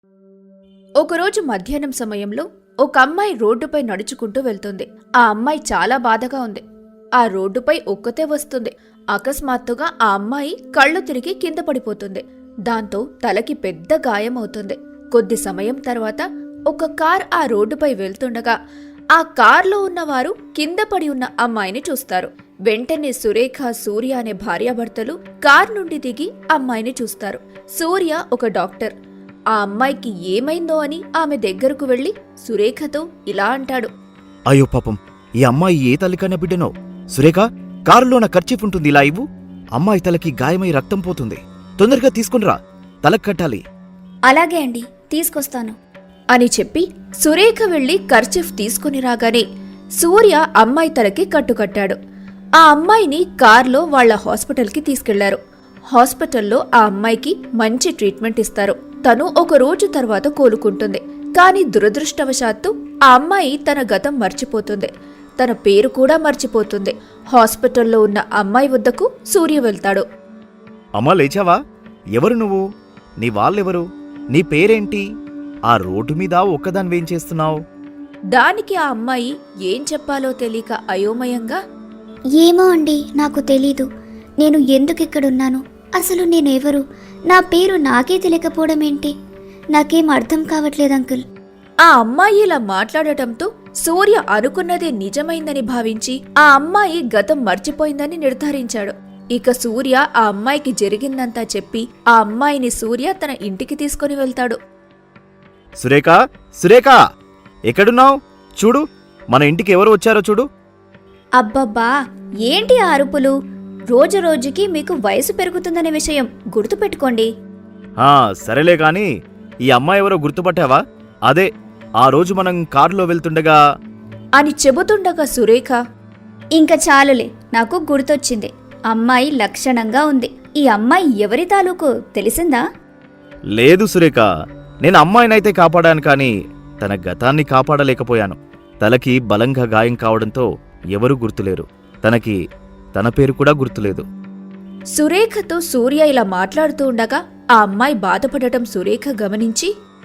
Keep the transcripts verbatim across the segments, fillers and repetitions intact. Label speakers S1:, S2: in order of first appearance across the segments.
S1: ఒకరోజు మధ్యాహ్నం సమయంలో ఒక అమ్మాయి రోడ్డుపై నడుచుకుంటూ వెళ్తుంది. ఆ అమ్మాయి చాలా బాధగా ఉంది. ఆ రోడ్డుపై ఒక్కతే వస్తుంది. అకస్మాత్తుగా ఆ అమ్మాయి కళ్ళు తిరిగి కింద పడిపోతుంది. దాంతో తలకి పెద్ద గాయం అవుతుంది. కొద్ది సమయం తర్వాత ఒక కార్ ఆ రోడ్డుపై వెళ్తుండగా ఆ కార్లో ఉన్నవారు కింద పడి ఉన్న అమ్మాయిని చూస్తారు. వెంటనే సురేఖ, సూర్య అనే భార్యాభర్తలు కార్ నుండి దిగి అమ్మాయిని చూస్తారు. సూర్య ఒక డాక్టర్. ఆ అమ్మాయికి ఏమైందో అని ఆమె దగ్గరకు వెళ్లి సురేఖతో ఇలా అంటాడు.
S2: అయ్యో పాపం, ఈ అమ్మాయి ఏ తల్లికైనా బిడ్డనో. సురేఖ, కారులో నా కర్చీఫ్ ఉంటుంది, ఇలా ఇవ్వు. అమ్మాయి తలకి గాయమై రక్తం పోతుంది. తొందరగా తీసుకునిరా, తలకు కట్టాలి.
S3: అలాగే అండి, తీసుకొస్తాను
S1: అని చెప్పి సురేఖ వెళ్లి కర్చీఫ్ తీసుకుని రాగానే సూర్య అమ్మాయి తలకి కట్టుకట్టాడు. ఆ అమ్మాయిని కార్లో వాళ్ల హాస్పిటల్కి తీసుకెళ్లారు. హాస్పిటల్లో ఆ అమ్మాయికి మంచి ట్రీట్మెంట్ ఇస్తారు. తను ఒక రోజు తర్వాత కోలుకుంటుంది. కాని దురదృష్టవశాత్తు ఆ అమ్మాయి తన గతం మర్చిపోతుంది. తన పేరు కూడా మర్చిపోతుంది. హాస్పిటల్లో ఉన్న అమ్మాయి వద్దకు సూర్య వెళ్తాడు.
S2: అమ్మా, లేచావా? ఎవరు నువ్వు? నీ వాళ్ళెవరు? నీ పేరేంటి? ఆ రోడ్డు మీద ఒక్కదానివేం చేస్తున్నావు?
S1: దానికి ఆ అమ్మాయి ఏం చెప్పాలో తెలియక అయోమయంగా,
S3: ఏమో అండి, నాకు తెలీదు. నేను ఎందుకిక్కడున్నాను? అసలు నేనెవరు? నా పేరు నాకే తెలియకపోవడం ఏంటి? నాకేం అర్థం కావట్లేదు అంకుల్.
S1: ఆ అమ్మాయి ఇలా మాట్లాడటంతో సూర్య అనుకున్నదే నిజమైందని భావించి ఆ అమ్మాయి గతం మర్చిపోయిందని నిర్ధారించాడు. ఇక సూర్య ఆ అమ్మాయికి జరిగిందంతా చెప్పి ఆ అమ్మాయిని సూర్య తన ఇంటికి తీసుకుని వెళ్తాడు.
S2: సురేఖ, సురేఖ, ఎక్కడున్నావు? చూడు, మన ఇంటికి ఎవరు వచ్చారో చూడు.
S3: అబ్బబ్బా, ఏంటి ఆ అరుపులు? రోజు రోజుకి మీకు వయసు పెరుగుతుందనే విషయం గుర్తుపెట్టుకోండి.
S2: ఆ సరేలే కాని, ఈ అమ్మాయి ఎవరో గుర్తుపట్టావా? అదే ఆ రోజు మనం కారులో వెళ్తుండగా
S1: అని చెబుతుండగా సురేఖ,
S3: ఇంకా చాలులే, నాకు గుర్తొచ్చింది. అమ్మాయి లక్షణంగా ఉంది. ఈ అమ్మాయి ఎవరి తాలూకు తెలిసిందా?
S2: లేదు సురేఖ, నేను అమ్మాయినైతే కాపాడాను, కానీ తన గతాన్ని కాపాడలేకపోయాను. తలకి బలంగా గాయం కావడంతో ఎవరూ గుర్తులేరు. తనకి తన పేరు కూడా గుర్తులేదు.
S1: సురేఖతో సూర్య ఇలా మాట్లాడుతూ ఉండగా ఆ అమ్మాయి బాధపడటం సురేఖ గమనించి,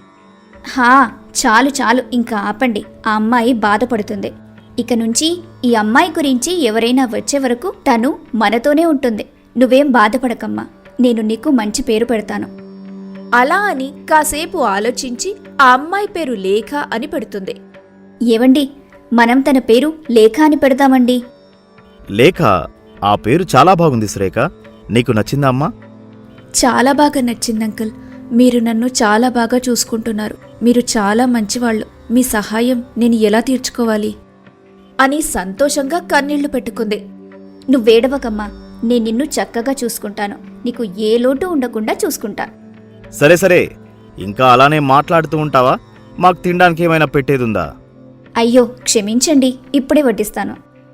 S3: హా, చాలు చాలు, ఇంకా ఆపండి. ఆ అమ్మాయి బాధపడుతుంది. ఇక నుంచి ఈ అమ్మాయి గురించి ఎవరైనా వచ్చే వరకు తను మనతోనే ఉంటుంది. నువ్వేం బాధపడకమ్మా, నేను నీకు మంచి పేరు పెడతాను.
S1: అలా అని కాసేపు ఆలోచించి ఆ అమ్మాయి పేరు లేఖ అని పెడుతుంది.
S3: ఏవండి, మనం తన పేరు లేఖ అని పెడదామండి.
S2: లేఖ, ఆ పేరు చాలా బాగుంది సురేఖ. నీకు నచ్చిందా అమ్మా?
S1: చాలా బాగా నచ్చింది అంకుల్. మీరు నన్ను చాలా బాగా చూసుకుంటున్నారు. మీరు చాలా మంచివాళ్లు. మీ సహాయం నేను ఎలా తీర్చుకోవాలి అని సంతోషంగా కన్నీళ్లు పెట్టుకుంది.
S3: నువ్వేడవకమ్మా, నేను నిన్ను చక్కగా చూసుకుంటాను. నీకు ఏ లోటు ఉండకుండా చూసుకుంటా.
S2: సరే సరే, ఇంకా అలానే మాట్లాడుతూ ఉంటావా? మాకు తినడానికి ఏమైనా పెట్టేదుందా?
S3: అయ్యో క్షమించండి, ఇప్పుడే వడ్డిస్తాను.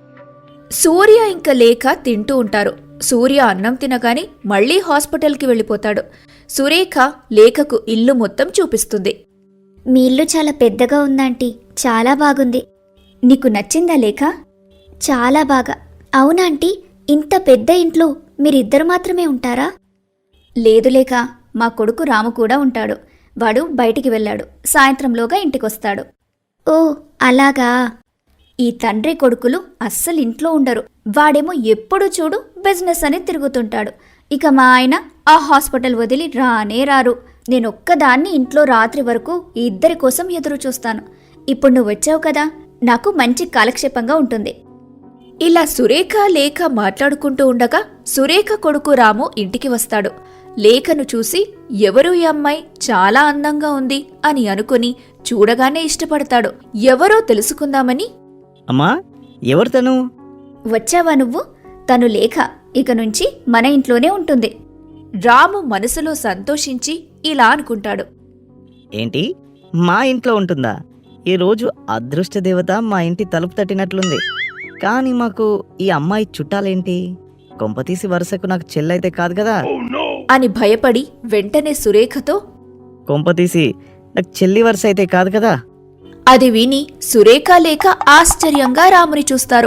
S1: సూర్య ఇంకా లేఖ తింటూ ఉంటారు. సూర్య అన్నం తినగానే మళ్లీ హాస్పిటల్కి వెళ్ళిపోతాడు. సురేఖ లేఖకు ఇల్లు మొత్తం చూపిస్తుంది.
S3: మీ ఇల్లు చాలా పెద్దగా ఉందాంటీ, చాలా బాగుంది. నీకు నచ్చిందా లేఖ? చాలా బాగా. అవునాంటీ, ఇంత పెద్ద ఇంట్లో మీరిద్దరు మాత్రమే ఉంటారా? లేదు లేఖ, మా కొడుకు రాము కూడా ఉంటాడు. వాడు బయటికి వెళ్ళాడు. సాయంత్రంలోగా ఇంటికొస్తాడు. ఓ అలాగా. ఈ తండ్రి కొడుకులు అస్సలు ఇంట్లో ఉండరు. వాడేమో ఎప్పుడు చూడు బిజినెస్ అని తిరుగుతుంటాడు. ఇక మా ఆయన ఆ హాస్పిటల్ వదిలి రానే రారు. నేనొక్కదాన్ని ఇంట్లో రాత్రి వరకు ఈ ఇద్దరి కోసం ఎదురు చూస్తాను. ఇప్పుడు నువ్వు వచ్చావు కదా, నాకు మంచి కాలక్షేపంగా ఉంటుంది.
S1: ఇలా సురేఖ లేఖ మాట్లాడుకుంటూ ఉండగా సురేఖ కొడుకు రాము ఇంటికి వస్తాడు. లేఖను చూసి ఎవరు ఈ అమ్మాయి, చాలా అందంగా ఉంది అని అనుకుని చూడగానే ఇష్టపడతాడు. ఎవరో తెలుసుకుందామని,
S4: అమ్మా, ఎవరు తను?
S3: వచ్చావా నువ్వు? తను లేఖ. ఇక నుంచి మన ఇంట్లోనే ఉంటుంది.
S1: రాము మనసులో సంతోషించి ఇలా అనుకుంటాడు.
S4: ఏంటి, మా ఇంట్లో ఉంటుందా? ఈరోజు అదృష్ట దేవత మా ఇంటి తలుపు తట్టినట్లుంది. కానీ మాకు ఈ అమ్మాయి చుట్టాలేంటి? కొంపతీసి వరుసకు నాకు చెల్లైతే కాదు కదా
S1: అని భయపడి వెంటనే సురేఖతో,
S4: కొంపతీసి నాకు చెల్లి వరుస అయితే కాదు కదా?
S1: అది విని సురేఖ లేఖ ఆశ్చర్యంగా రాముని చూస్తారు.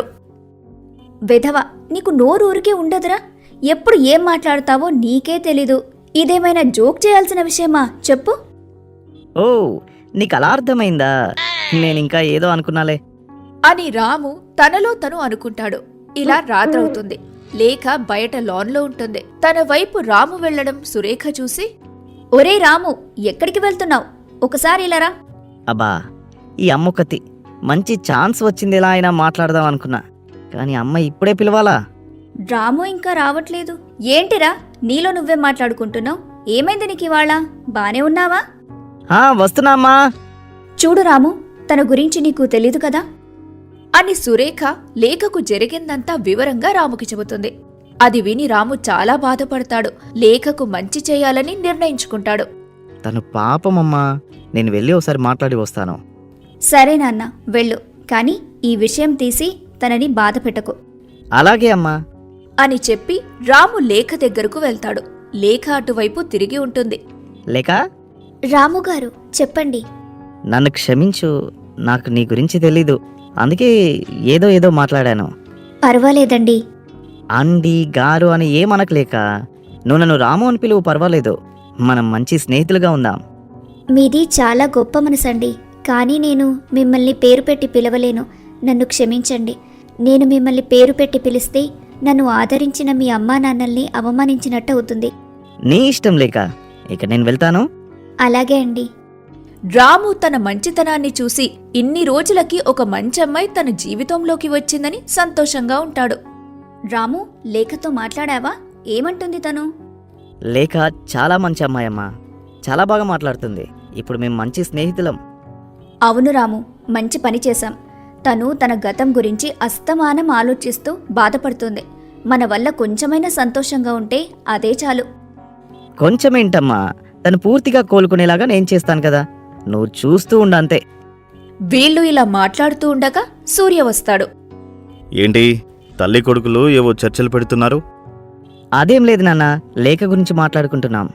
S3: వెధవ, నీకు నోరూరికే ఉండదురా? ఎప్పుడు ఏం మాట్లాడతావో నీకే తెలీదు. ఇదేమైనా జోక్ చేయాల్సిన విషయమా చెప్పు?
S4: ఓ నీకు అలా అర్థమైందా? నేను ఇంకా ఏదో అనుకున్నాలే.
S1: అని రాము తనలో తను అనుకుంటాడు. ఇలా రాత్రవుతుంది. లేఖ బయట లాన్లో ఉంటుంది. తన వైపు రాము వెళ్లడం సురేఖ చూసి,
S3: ఒరే రాము, ఎక్కడికి వెళ్తున్నావు? ఒకసారి ఇలారా.
S4: అబ్బా ఈ అమ్మొక్కతి మంచి ఛాన్స్ వచ్చింది, ఎలా అయినా మాట్లాడదాం అనుకున్నా, కానీ అమ్మ ఇప్పుడే పిలవాలా?
S3: రాము ఇంకా రావట్లేదు. ఏంటిరా నీలో నువ్వే మాట్లాడుకుంటున్నావు? ఏమైంది నీకు ఇవాళ? బానే ఉన్నావా?
S4: ఆ వస్తున్నామ్మా.
S3: చూడు రాము, తన గురించి నీకు తెలీదు కదా.
S1: అని సురేఖ లేఖకు జరిగిందంతా వివరంగా రాముకి చెబుతుంది. అది విని రాము చాలా బాధపడతాడు. లేఖకు మంచి చేయాలని నిర్ణయించుకుంటాడు.
S4: తను పాపమమ్మా, నేను వెళ్ళి ఒకసారి మాట్లాడి వస్తాను.
S3: సరే నాన్న, వెళ్ళు. కానీ ఈ విషయం తీసి తనని బాధ పెట్టకు.
S4: అలాగే అమ్మా.
S1: అని చెప్పి రాము లేఖ దగ్గరకు వెళ్తాడు. లేఖ అటువైపు తిరిగి ఉంటుంది.
S4: లేక
S3: రాము గారు చెప్పండి.
S4: నన్ను క్షమించు, నాకు నీ గురించి తెలీదు, అందుకే ఏదో ఏదో మాట్లాడాను.
S3: పర్వాలేదండి.
S4: అండి గారు అని ఏమనకు లేక, నువ్వు నన్ను రాము అని పిలువు, పర్వాలేదు, మనం మంచి స్నేహితులుగా ఉందాం.
S3: మీది చాలా గొప్ప మనసండి. కానీ నేను మిమ్మల్ని పేరు పెట్టి పిలవలేను. నన్ను క్షమించండి. నేను మిమ్మల్ని పేరు పెట్టి పిలిస్తే నన్ను ఆదరించిన మీ అమ్మా నాన్నల్ని అవమానించినట్టు అవుతుంది.
S4: నీ ఇష్టం లేక, ఇక నేను వెళ్తాను.
S3: అలాగే అండి.
S1: రాము తన మంచితనాన్ని చూసి ఇన్ని రోజులకి ఒక మంచి అమ్మాయి తన జీవితంలోకి వచ్చిందని సంతోషంగా ఉంటాడు.
S3: రాము, లేఖతో మాట్లాడావా? ఏమంటుంది తను?
S4: లేక చాలా మంచి అమ్మాయమ్మా, చాలా బాగా మాట్లాడుతుంది. ఇప్పుడు మేము మంచి స్నేహితులం.
S3: అవును రాము, మంచి పని చేశాం. తను తన గతం గురించి అస్తమానం ఆలోచిస్తూ బాధపడుతుంది. మన వల్ల కొంచెమైనా సంతోషంగా ఉంటే అదే చాలు.
S4: కొంచెమేంటమ్మా, తను పూర్తిగా కోలుకునేలాగా నేను చేస్తాను కదా, నువ్వు చూస్తూ ఉండంతే.
S1: వీళ్ళు ఇలా మాట్లాడుతూ ఉండగా సూర్య వస్తాడు.
S2: ఏంటి తల్లి కొడుకులు ఏవో చర్చలు పెడుతున్నారు?
S4: అదేం లేదు నాన్న, లేఖ గురించి మాట్లాడుకుంటున్నాం.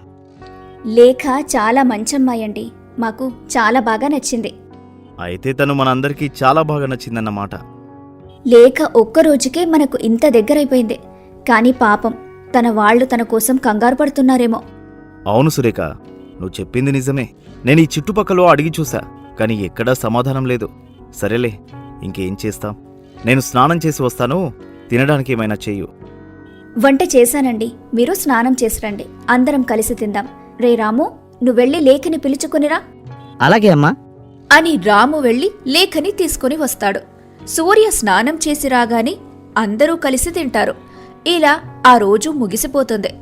S3: లేఖ చాలా మంచమ్మాయి అండి. మాకు చాలా బాగా నచ్చింది.
S2: అయితే తను మనందరికీ చాలా బాగా నచ్చిందన్నమాట.
S3: లేఖ ఒక్కరోజుకే మనకు ఇంత దగ్గరైపోయింది. కానీ పాపం, తన వాళ్ళు తన కోసం కంగారు పడుతున్నారేమో.
S2: అవును సురేఖ, నువ్వు చెప్పింది నిజమే. నేను ఈ చుట్టుపక్కల అడిగి చూసా, కానీ ఎక్కడా సమాధానం లేదు. సరేలే, ఇంకేం చేస్తాం. నేను స్నానం చేసి వస్తాను, తినడానికి ఏమైనా చెయ్యు.
S3: వంట చేశానండి, మీరు స్నానం చేసిరండి, అందరం కలిసి తిందాం. రే రాము, నువ్వెళ్ళి లేఖని పిలుచుకునిరా.
S4: అలాగే అమ్మా.
S1: అని రాము వెళ్లి లేఖని తీసుకుని వస్తాడు. సూర్య స్నానం చేసి రాగానే అందరూ కలిసి తింటారు. ఇలా ఆ రోజు ముగిసిపోతుంది.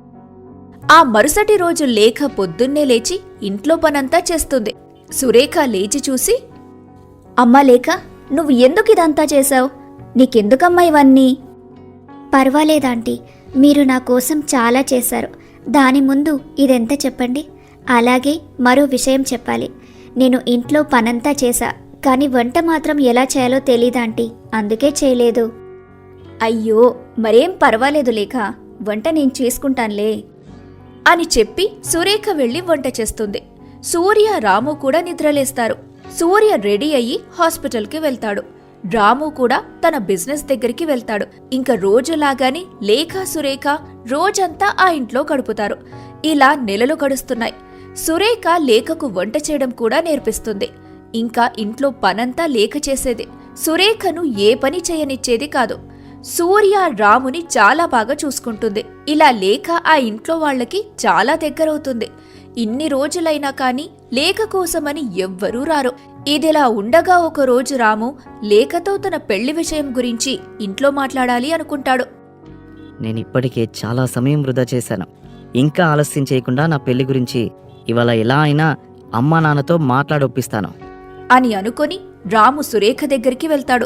S1: ఆ మరుసటి రోజు లేఖ పొద్దున్నే లేచి ఇంట్లో పనంతా చేస్తుంది. సురేఖ లేచి చూసి,
S3: అమ్మా లేఖ, నువ్వు ఎందుకు ఇదంతా చేశావు? నీకెందుకమ్మా ఇవన్నీ? పర్వాలేదాంటీ, మీరు నా కోసం చాలా చేశారు. దాని ముందు ఇదెంత చెప్పండి. అలాగే మరో విషయం చెప్పాలి. నేను ఇంట్లో పనంతా చేశా, కానీ వంట మాత్రం ఎలా చేయాలో తెలీదాంటీ, అందుకే చేయలేదు. అయ్యో, మరేం పర్వాలేదు లేఖ, వంట నేను చేసుకుంటానులే
S1: అని చెప్పి సురేఖ వెళ్లి వంట చేస్తుంది. సూర్య రాము కూడా నిద్రలేస్తారు. సూర్య రెడీ అయ్యి హాస్పిటల్కి వెళ్తాడు. రాము కూడా తన బిజినెస్ దగ్గరికి వెళ్తాడు. ఇంకా రోజులాగానే లేఖ సురేఖ రోజంతా ఆ ఇంట్లో గడుపుతారు. ఇలా నెలలు గడుస్తున్నాయి. సురేఖ లేఖకు వంట చేయడం కూడా నేర్పిస్తుంది. ఇంకా ఇంట్లో పనంతా లేఖ చేసేది. సురేఖను ఏ పని చేయనిచ్చేది కాదు. సూర్య రాముని చాలా బాగా చూసుకుంటుంది. ఇలా లేఖ ఆ ఇంట్లో వాళ్లకి చాలా దగ్గరవుతుంది. ఇన్ని రోజులైనా కాని లేఖ కోసమని ఎవ్వరూ రారు. ఇదిలా ఉండగా ఒక రోజు రాము లేఖతో తన పెళ్లి విషయం గురించి ఇంట్లో మాట్లాడాలి అనుకుంటాడు.
S4: నేను ఇప్పటికే చాలా సమయం వృధా చేశాను. ఇంకా ఆలస్యం చేయకుండా నా పెళ్లి గురించి ఇవాళ ఎలా అయినా అమ్మా నాన్నతో మాట్లాడొప్పిస్తాను
S1: అని అనుకొని రాము సురేఖ దగ్గరికి వెళ్తాడు.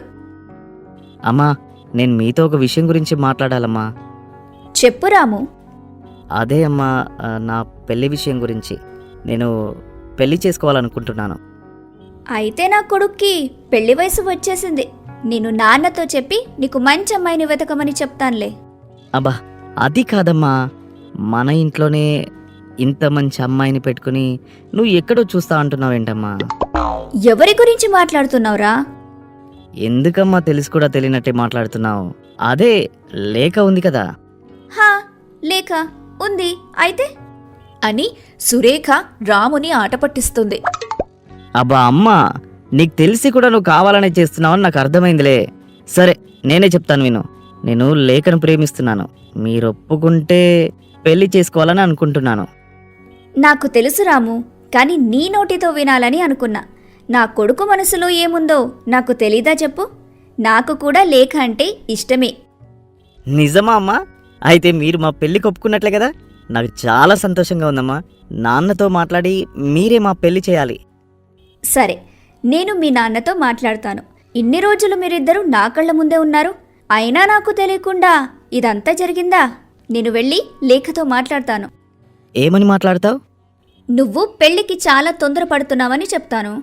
S4: అమ్మా, నేను మీతో ఒక విషయం గురించి మాట్లాడాలమ్మా.
S3: చెప్పు రాము.
S4: అదే అమ్మా, ఆ, నా పెళ్లి విషయం గురించి. నేను పెళ్లి చేసుకోవాలనుకుంటున్నాను.
S3: అయితే నా కొడుక్కి పెళ్లి వయసు వచ్చేసింది. నేను నాన్నతో చెప్పి నీకు మంచి అమ్మాయిని వెతకమని చెప్తానులే.
S4: అబ్బా, అది కాదమ్మా, మన ఇంట్లోనే ఇంత మంచి అమ్మాయిని పెట్టుకుని నువ్వు ఎక్కడో చూస్తా అంటున్నావేంటమ్మా?
S3: ఎవరి గురించి మాట్లాడుతున్నావురా?
S4: ఎందుకమ్మా తెలిసి కూడా తెలియనట్టే మాట్లాడుతున్నావు? అదే లేఖ ఉంది కదా.
S3: హా, లేక ఉంది. అయితే
S1: అని సురేఖ రాముని ఆట పట్టిస్తుంది.
S4: అబ్బా అమ్మా, నీకు తెలిసి కూడా నువ్వు కావాలనే చేస్తున్నావని నాకు అర్థమైందిలే. సరే, నేనే చెప్తాను విను. నేను లేఖను ప్రేమిస్తున్నాను. మీరు ఒప్పుకుంటే పెళ్లి చేసుకోవాలని అనుకుంటున్నాను.
S3: నాకు తెలుసు రాము, కానీ నీ నోటితో వినాలని అనుకున్నా. నా కొడుకు మనసులో ఏముందో నాకు తెలీదా చెప్పు? నాకు కూడా లేఖ అంటే ఇష్టమే.
S4: నిజమా అమ్మా? అయితే మీరు మా పెళ్లికి ఒప్పుకున్నట్లే కదా. నాకు చాలా సంతోషంగా ఉందమ్మా. నాన్నతో మాట్లాడి మీరే మా పెళ్లి చేయాలి.
S3: సరే, నేను మీ నాన్నతో మాట్లాడతాను. ఇన్ని రోజులు మీరిద్దరూ నా కళ్ళ ముందే ఉన్నారు, అయినా నాకు తెలియకుండా ఇదంతా జరిగిందా? నేను వెళ్ళి లేఖతో మాట్లాడతాను.
S4: ఏమని మాట్లాడతావు?
S3: నువ్వు పెళ్లికి చాలా తొందరపడుతున్నావని చెప్తాను.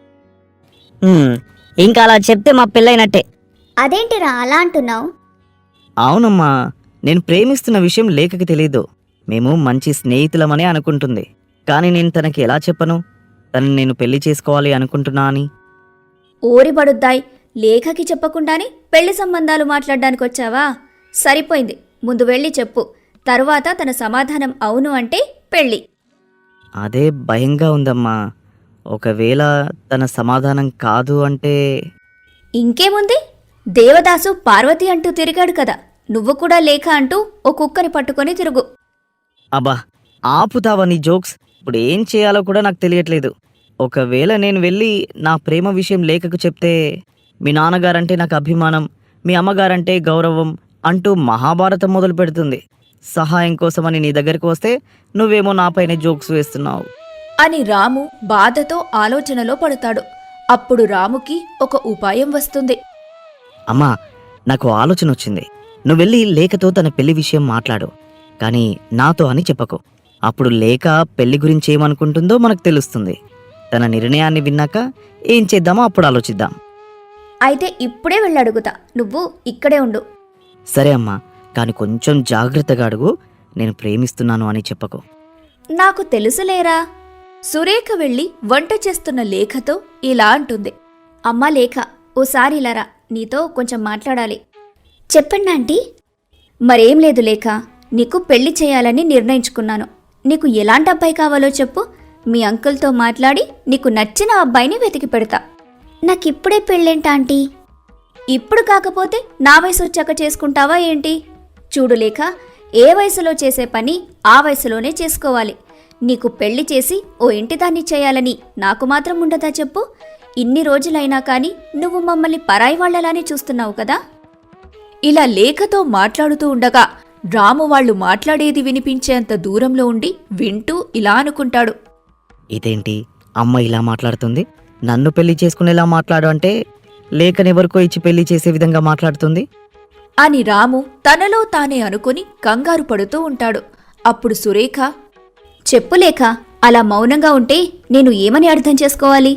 S4: ఇంకా అలా చెప్తే మా పెళ్ళైనట్టే.
S3: అదేంటిరా అలా అంటున్నావు?
S4: అవునమ్మా, నేను ప్రేమిస్తున్న విషయం లేఖకి తెలీదు. మేము మంచి స్నేహితులమనే అనుకుంటుంది. కానీ నేను తనకి ఎలా చెప్పను తను నేను పెళ్లి చేసుకోవాలి అనుకుంటున్నా అని?
S3: ఓరి బడుద్దాయ్, లేఖకి చెప్పకుండానే పెళ్లి సంబంధాలు మాట్లాడడానికి వచ్చావా? సరిపోయింది, ముందు వెళ్ళి చెప్పు. తరువాత తన సమాధానం అవును అంటే పెళ్ళి.
S4: అదే భయంగా ఉందమ్మా. ఒకవేళ తన సమాధానం కాదు అంటే?
S3: ఇంకేముంది, దేవదాసు పార్వతి అంటూ తిరిగాడు కదా, నువ్వు కూడా లేఖ అంటూ ఓ కుక్కని పట్టుకొని తిరుగు.
S4: అబ్బా, ఆపుతావా నీ జోక్స్? ఇప్పుడు ఏం చేయాలో కూడా నాకు తెలియట్లేదు. ఒకవేళ నేను వెళ్ళి నా ప్రేమ విషయం లేఖకు చెప్తే మీ నాన్నగారంటే నాకు అభిమానం, మీ అమ్మగారంటే గౌరవం అంటూ మహాభారతం మొదలు పెడుతుంది. సహాయం కోసమని నీ దగ్గరికి వస్తే నువ్వేమో నాపైనే జోక్స్ వేస్తున్నావు
S1: అని రాము బాధతో ఆలోచనలో పడతాడు. అప్పుడు రాముకి ఒక ఉపాయం వస్తుంది.
S4: అమ్మా, నాకు ఆలోచన వచ్చింది. నువ్వు వెళ్ళి లేఖతో తన పెళ్లి విషయం మాట్లాడు, కానీ నాతో అని చెప్పకు. అప్పుడు లేఖ పెళ్లి గురించి ఏమనుకుంటుందో మనకు తెలుస్తుంది. తన నిర్ణయాన్ని విన్నాక ఏం చేద్దామో అప్పుడు ఆలోచిద్దాం.
S3: అయితే ఇప్పుడే వెళ్ళడుగుతా, నువ్వు ఇక్కడే ఉండు.
S4: సరే అమ్మా, కానీ కొంచెం జాగ్రత్తగా అడుగు. నేను ప్రేమిస్తున్నాను అని చెప్పకు.
S3: నాకు తెలుసులేరా.
S1: సురేఖ వెళ్లి వంట చేస్తున్న లేఖతో ఇలా అంటుంది.
S3: అమ్మా లేఖ, ఓసారి ఇలారా, నీతో కొంచెం మాట్లాడాలి. చెప్పండి ఆంటీ. మరేం లేదు లేఖ, నీకు పెళ్లి చేయాలని నిర్ణయించుకున్నాను. నీకు ఎలాంటి అబ్బాయి కావాలో చెప్పు, మీ అంకుల్తో మాట్లాడి నీకు నచ్చిన అబ్బాయిని వెతికి పెడతా. నాకిప్పుడే పెళ్ళేంటి ఆంటీ? ఇప్పుడు కాకపోతే నా వయసు వచ్చాక చేసుకుంటావా ఏంటి? చూడు లేఖ, ఏ వయసులో చేసే పని ఆ వయసులోనే చేసుకోవాలి. నీకు పెళ్లి చేసి ఓ ఇంటిదాన్ని చేయాలని నాకు మాత్రం ఉండదా చెప్పు? ఇన్ని రోజులైనా కానీ నువ్వు మమ్మల్ని పరాయి వాళ్లలానే చూస్తున్నావు కదా.
S1: ఇలా లేఖతో మాట్లాడుతూ ఉండగా రాము వాళ్ళు మాట్లాడేది వినిపించేంత దూరంలో ఉండి వింటూ ఇలా అనుకుంటాడు.
S4: ఇదేంటి అమ్మ ఇలా మాట్లాడుతుంది? నన్ను పెళ్లి చేసుకునేలా మాట్లాడు అంటే లేఖనెవరికో ఇచ్చి పెళ్లి చేసే విధంగా మాట్లాడుతుంది
S1: అని రాము తనలో తానే అనుకుని కంగారు పడుతూ ఉంటాడు. అప్పుడు సురేఖ,
S3: చెప్పు లేఖ, అలా మౌనంగా ఉంటే నేను ఏమని అర్థం చేసుకోవాలి?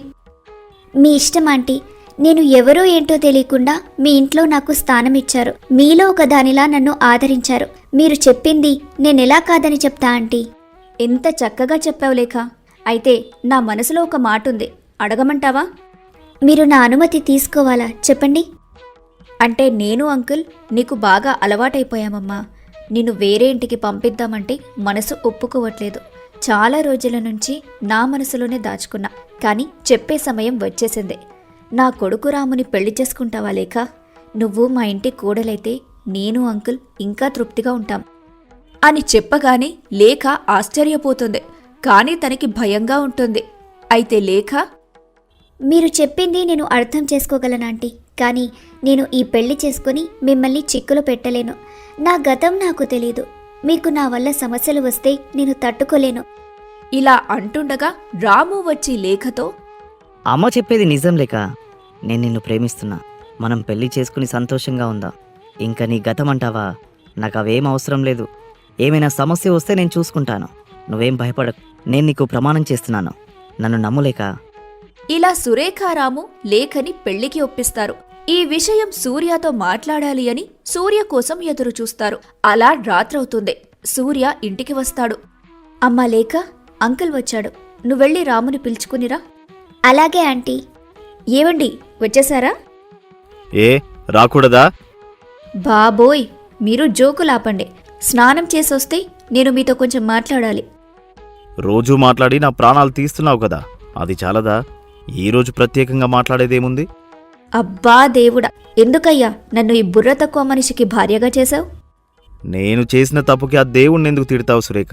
S3: మీ ఇష్టం ఆంటీ. నేను ఎవరో ఏంటో తెలియకుండా మీ ఇంట్లో నాకు స్థానం ఇచ్చారు. మీలో ఒక దానిలా నన్ను ఆదరించారు. మీరు చెప్పింది నేనెలా కాదని చెప్తా ఆంటీ. ఎంత చక్కగా చెప్పావు లేఖ. అయితే నా మనసులో ఒక మాట ఉంది, అడగమంటావా? మీరు నా అనుమతి తీసుకోవాలా చెప్పండి.
S1: అంటే నేను అంకుల్ నీకు బాగా అలవాటైపోయామమ్మా. నిన్ను వేరే ఇంటికి పంపిద్దామంటే మనసు ఒప్పుకోవట్లేదు. చాలా రోజుల నుంచి నా మనసులోనే దాచుకున్నా, కానీ చెప్పే సమయం వచ్చేసింది. నా కొడుకు రాముని పెళ్లి చేసుకుంటావా లేఖ? నువ్వు మా ఇంటి కోడలైతే నేను అంకుల్ ఇంకా తృప్తిగా ఉంటాం అని చెప్పగానే లేఖ ఆశ్చర్యపోతుంది. కానీ తనకి భయంగా ఉంటుంది. అయితే లేఖ,
S3: మీరు చెప్పింది నేను అర్థం చేసుకోగలనాంటీ, కానీ నేను ఈ పెళ్లి చేసుకుని మిమ్మల్ని చిక్కులు పెట్టలేను. నా గతం నాకు తెలీదు. మీకు నా వల్ల సమస్యలు వస్తే నేను తట్టుకోలేను.
S1: ఇలా అంటుండగా రాము వచ్చి లేఖతో,
S4: అమ్మ చెప్పేది నిజం లేక. నేను నిన్ను ప్రేమిస్తున్నా. మనం పెళ్లి చేసుకుని సంతోషంగా ఉందా? ఇంకా నీ గతం అంటావా? నాకు అవేం అవసరం లేదు. ఏమైనా సమస్య వస్తే నేను చూసుకుంటాను. నువ్వేం భయపడకు. నేను నీకు ప్రమాణం చేస్తున్నాను. నన్ను నమ్ములేక.
S1: ఇలా సురేఖారాము లేఖని పెళ్లికి ఒప్పిస్తారు. ఈ విషయం సూర్యతో మాట్లాడాలి అని సూర్య కోసం ఎదురు చూస్తారు. అలా రాత్రవుతుంది. సూర్య ఇంటికి వస్తాడు.
S3: అమ్మా లేఖ, అంకుల్ వచ్చాడు. నువ్వెళ్ళి రాముని పిలుచుకునిరా. అలాగే ఆంటీ. ఏవండి, వచ్చేసారా?
S2: ఏ రాకూడదా?
S3: బాబోయ్, మీరు జోకులాపండి. స్నానం చేసొస్తే నేను మీతో కొంచెం మాట్లాడాలి.
S2: రోజూ మాట్లాడి నా ప్రాణాలు తీస్తున్నావు కదా, అది చాలదా? ఈరోజు ప్రత్యేకంగా మాట్లాడేదేముంది?
S1: అబ్బా దేవుడా, ఎందుకయ్యా నన్ను ఈ బుర్ర తక్కువ మనిషికి భార్యగా చేశావు?
S2: నేను చేసిన తప్పుకి ఆ దేవుణ్ణి ఎందుకు తిడతావు సురేఖ?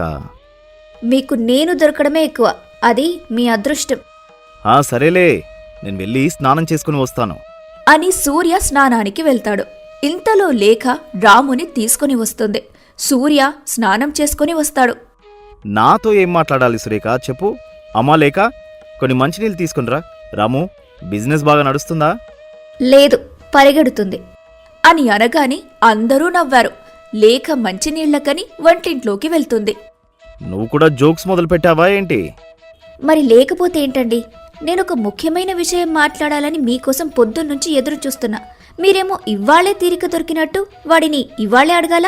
S1: మీకు నేను దొరకడమే ఎక్కువ, అది మీ అదృష్టం
S2: ఆ సరేలే, నేను వెళ్ళి స్నానం చేసుకుని వస్తాను
S1: అని సూర్య స్నానానికి వెళ్తాడు. ఇంతలో లేఖ రాముని తీసుకుని వస్తుంది. సూర్య స్నానం చేసుకుని వస్తాడు.
S2: నాతో ఏం మాట్లాడాలి సురేఖ, చెప్పు. అమ్మా లేక కొన్ని మంచినీళ్ళు తీసుకునిరా. రాము, బిజినెస్ బాగా నడుస్తుందా?
S1: లేదు, పరిగెడుతుంది అని అనగాని అందరూ నవ్వారు. లేఖ మంచినీళ్లకని వంటింట్లోకి వెళ్తుంది.
S2: నువ్వు కూడా జోక్స్ మొదలు పెట్టావా ఏంటి?
S1: మరి లేకపోతే ఏంటండి, నేనొక ముఖ్యమైన విషయం మాట్లాడాలని మీకోసం పొద్దున్నుంచి ఎదురు చూస్తున్నా. మీరేమో ఇవ్వాళే తీరిక దొరికినట్టు వాడిని ఇవ్వాళే అడగాల?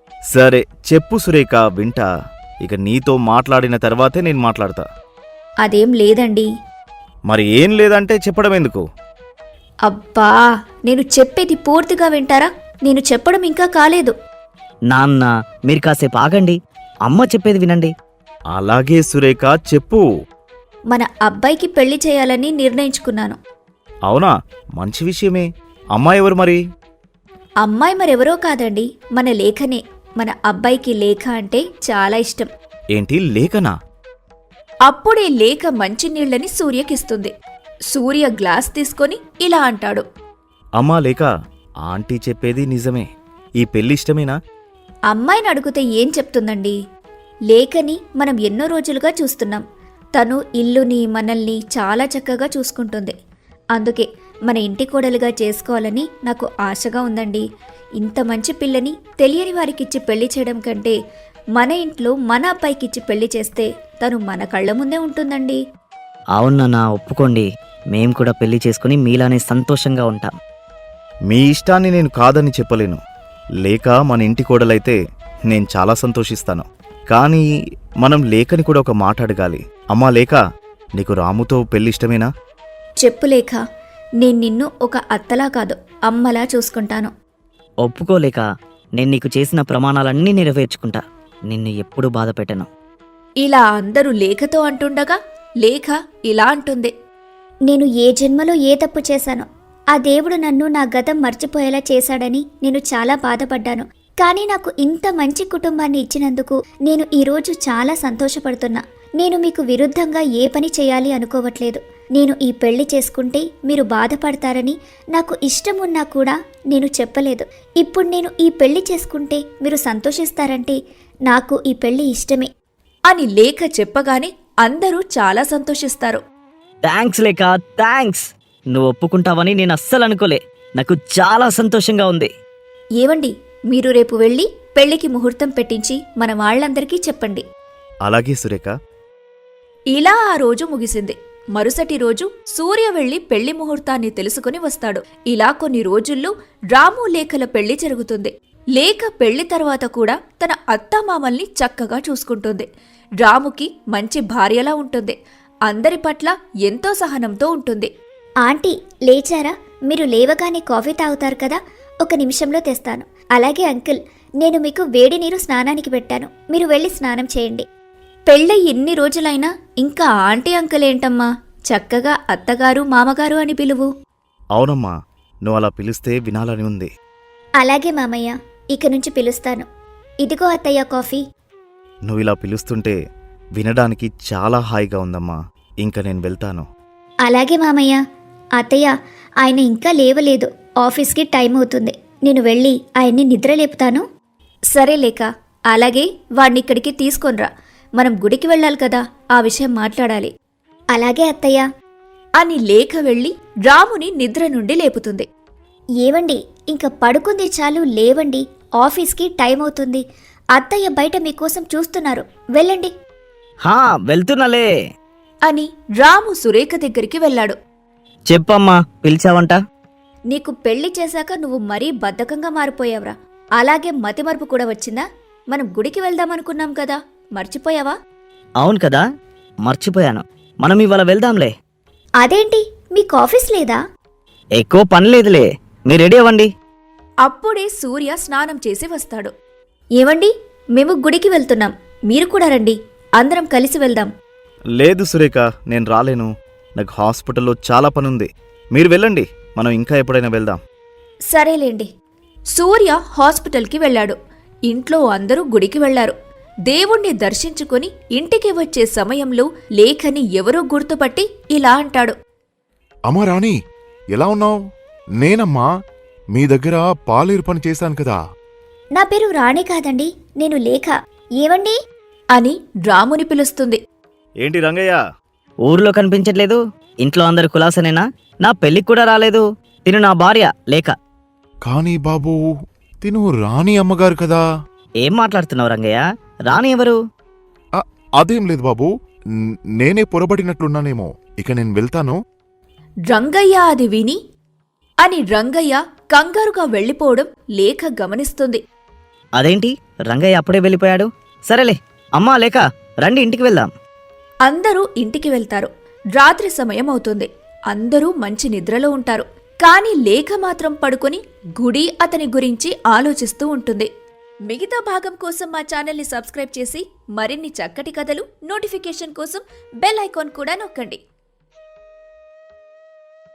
S2: సరే చెప్పు సురేఖ, వింటా. ఇక నీతో మాట్లాడిన తర్వాతే నేను మాట్లాడతా.
S1: అదేం లేదండి.
S2: మరి ఏం లేదంటే చెప్పడం ఎందుకు?
S1: అబ్బా, నేను చెప్పేది పూర్తిగా వింటారా? నేను చెప్పడం ఇంకా కాలేదు.
S4: నాన్న, మీరు కాసేపు ఆగండి, అమ్మ చెప్పేది వినండి.
S2: అలాగే సురేఖ, చెప్పు.
S1: మన అబ్బాయికి పెళ్లి చేయాలని నిర్ణయించుకున్నాను.
S2: అవునా? మంచి విషయమే. అమ్మాయి ఎవరు మరి?
S1: అమ్మాయి మరెవరో కాదండి, మన లేఖనే. మన అబ్బాయికి లేఖ అంటే చాలా ఇష్టం.
S2: ఏంటి, లేఖనా?
S1: అప్పుడే లేఖ మంచినీళ్లని సూర్యకిస్తుంది. సూర్య గ్లాస్ తీసుకొని ఇలా అంటాడు.
S2: అమ్మా లేక, ఆంటీ చెప్పేది నిజమే. ఈ పెళ్లి ఇష్టమేనా?
S1: అమ్మాయిని అడిగితే ఏం చెప్తుందండి? లేఖని మనం ఎన్నో రోజులుగా చూస్తున్నాం. తను ఇల్లుని మనల్ని చాలా చక్కగా చూసుకుంటుంది. అందుకే మన ఇంటి కోడలుగా చేసుకోవాలని నాకు ఆశగా ఉందండి. ఇంత మంచి పిల్లని తెలియని వారికిచ్చి పెళ్లి చేయడం కంటే మన ఇంట్లో మన అబ్బాయికిచ్చి పెళ్లి చేస్తే తను మన కళ్ళ ముందే ఉంటుందండి.
S4: అవునన్నా, ఒప్పుకోండి. మేం కూడా పెళ్లి చేసుకుని మీలానే సంతోషంగా ఉంటాం.
S2: మీ ఇష్టాన్ని నేను కాదని చెప్పలేను. లేక మన ఇంటి కోడలైతే నేను చాలా సంతోషిస్తాను. కానీ మనం లేఖని కూడా ఒక మాట అడగాలి. అమ్మా లేక, నీకు రాముతో పెళ్లి ఇష్టమేనా?
S1: చెప్పు లేఖ, నేను నిన్ను ఒక అత్తలా కాదు అమ్మలా చూసుకుంటాను.
S4: ఒప్పుకోలేక నేను నీకు చేసిన ప్రమాణాలన్నీ నెరవేర్చుకుంటా. నిన్ను ఎప్పుడూ బాధ పెట్టను.
S1: ఇలా అందరూ లేఖతో అంటుండగా లేఖ ఇలా అంటుంది.
S3: నేను ఏ జన్మలో ఏ తప్పు చేశానో ఆ దేవుడు నన్ను నా గతం మర్చిపోయేలా చేశాడని నేను చాలా బాధపడ్డాను. కానీ నాకు ఇంత మంచి కుటుంబాన్ని ఇచ్చినందుకు నేను ఈరోజు చాలా సంతోషపడుతున్నా. నేను మీకు విరుద్ధంగా ఏ పని చేయాలి అనుకోవట్లేదు. నేను ఈ పెళ్లి చేసుకుంటే మీరు బాధపడతారని నాకు ఇష్టం ఉన్నా కూడా నేను చెప్పలేదు. ఇప్పుడు నేను ఈ పెళ్లి చేసుకుంటే మీరు సంతోషిస్తారంటే నాకు ఈ పెళ్లి ఇష్టమే
S1: అని లేఖ చెప్పగానే అందరూ చాలా సంతోషిస్తారు.
S4: థ్యాంక్స్ లేక, థ్యాంక్స్. నువ్వు ఒప్పుకుంటావని నేను అస్సలు అనుకోలే. నాకు చాలా సంతోషంగా ఉంది.
S1: ఏవండి, మీరు రేపు వెళ్ళి పెళ్లికి ముహూర్తం పెట్టించి మన వాళ్ళందరికీ చెప్పండి.
S2: అలాగే సురేఖ.
S1: ఇలా ఆ రోజు ముగిసింది. మరుసటి రోజు సూర్య వెళ్లి పెళ్లి ముహూర్తాన్ని తెలుసుకుని వస్తాడు. ఇలా కొన్ని రోజుల్లో రాము లేఖల పెళ్లి జరుగుతుంది. లేఖ పెళ్లి తర్వాత కూడా తన అత్తామామల్ని చక్కగా చూసుకుంటుంది. రాముకి మంచి భార్యలా ఉంటుంది. అందరి పట్ల ఎంతో సహనంతో ఉంటుంది.
S3: ఆంటీ లేచారా? మీరు లేవగానే కాఫీ తాగుతారు కదా, ఒక నిమిషంలో తెస్తాను. అలాగే అంకుల్, నేను మీకు వేడి నీరు స్నానానికి పెట్టాను, మీరు వెళ్ళి స్నానం చేయండి.
S1: పెళ్ళై ఎన్ని రోజులైనా ఇంకా ఆంటీ అంకుల్ ఏంటమ్మా, చక్కగా అత్తగారు మామగారు అని పిలువు.
S2: అవునమ్మా, నువ్వు అలా పిలిస్తే వినాలని ఉంది.
S3: అలాగే మామయ్య, ఇక నుంచి పిలుస్తాను. ఇదిగో అత్తయ్య కాఫీ.
S2: నువ్వు ఇలా పిలుస్తుంటే వినడానికి చాలా హాయిగా ఉందమ్మా. ఇంక నేను వెళ్తాను.
S3: అలాగే మామయ్య. అత్తయ్య, ఆయన ఇంకా లేవలేదు, ఆఫీస్కి టైం అవుతుంది. నేను వెళ్ళి ఆయన్ని నిద్ర లేపుతాను.
S1: సరే లేక, అలాగే వాణ్ణిక్కడికి తీసుకొనిరా. మనం గుడికి వెళ్ళాలి కదా, ఆ విషయం మాట్లాడాలి.
S3: అలాగే అత్తయ్య
S1: అని లేఖ వెళ్ళి రాముని నిద్ర నుండి లేపుతుంది.
S3: ఏవండి, ఇంక పడుకుంది చాలు, లేవండి, ఆఫీస్కి టైం అవుతుంది. అత్తయ్య బయట మీకోసం చూస్తున్నారు, వెళ్ళండి
S4: హా, వెళ్తున్నాలే
S1: అని రాము సురేఖ దగ్గరికి వెళ్ళాడు.
S4: చెప్పమ్మా, పిలిచావంట?
S1: నీకు పెళ్లి చేశాక నువ్వు మరీ బద్ధకంగా మారిపోయావురా. అలాగే మతిమరుపు కూడా వచ్చిందా? మనం గుడికి వెళ్దామనుకున్నాం కదా, మర్చిపోయావా?
S4: అవును కదా, మర్చిపోయాను. మనం ఇవాళ వెళ్దాంలే.
S3: అదేంటి, మీకు ఆఫీస్ లేదా?
S4: ఎక్కువ పని లేదులే, మీరు రెడీ అవ్వండి.
S1: అప్పుడే సూర్య స్నానం చేసి వస్తాడు. ఏవండి, మేము గుడికి వెళ్తున్నాం, మీరు కూడా రండి.
S3: అందరం కలిసి వెళ్దాం.
S2: లేదు సురేఖ, నేను రాలేను. నాకు హాస్పిటల్లో చాలా పనుంది. మీరు వెళ్ళండి, మనం ఇంకా ఎప్పుడైనా వెళ్దాం.
S3: సరేలేండి.
S1: సూర్య హాస్పిటల్కి వెళ్ళాడు. ఇంట్లో అందరూ గుడికి వెళ్లారు. దేవుణ్ణి దర్శించుకుని ఇంటికి వచ్చే సమయంలో లేఖని ఎవరో గుర్తుపట్టి ఇలా అంటాడు.
S5: అమ్మా రాణి, ఎలా ఉన్నావు? నేనమ్మా, మీ దగ్గర పాలేరు పని చేశాను కదా.
S3: నా పేరు రాణి కాదండి, నేను లేఖ. ఏవండి?
S1: అని రాముని పిలుస్తుంది.
S2: ఏంటి రంగయ్య?
S4: ఊర్లో కనిపించట్లేదు. ఇంట్లో అందరు కులాసనేనా? నా పెళ్ళికి కూడా రాలేదు. తిను నా భార్య లేఖ.
S5: కానీ బాబూ, తిను రాణి అమ్మగారు కదా.
S4: ఏం మాట్లాడుతున్నావు రంగయ్య? రాణి ఎవరు?
S5: అ- అదేం లేదు బాబూ, న్- నేనే పొరబడినట్లున్నానేమో. ఇక నేను వెళ్తాను.
S1: రంగయ్య అది విని అని రంగయ్య కంగారుగా వెళ్ళిపోవడం లేఖ గమనిస్తుంది.
S4: అదేంటి రంగయ్య అప్పుడే వెళ్ళిపోయాడు? సరేలే, అమ్మా లేఖ రండి ఇంటికి వెళ్దాం.
S1: అందరూ ఇంటికి వెళ్తారు. రాత్రి సమయం అవుతుంది. అందరూ మంచి నిద్రలో ఉంటారు. కాని లేఖ మాత్రం పడుకుని గుడి అతని గురించి ఆలోచిస్తూ ఉంటుంది. మిగతా భాగం కోసం మా ఛానల్ని సబ్స్క్రైబ్ చేసి మరిన్ని చక్కటి కథలు నోటిఫికేషన్ కోసం బెల్ ఐకాన్ కూడా నొక్కండి.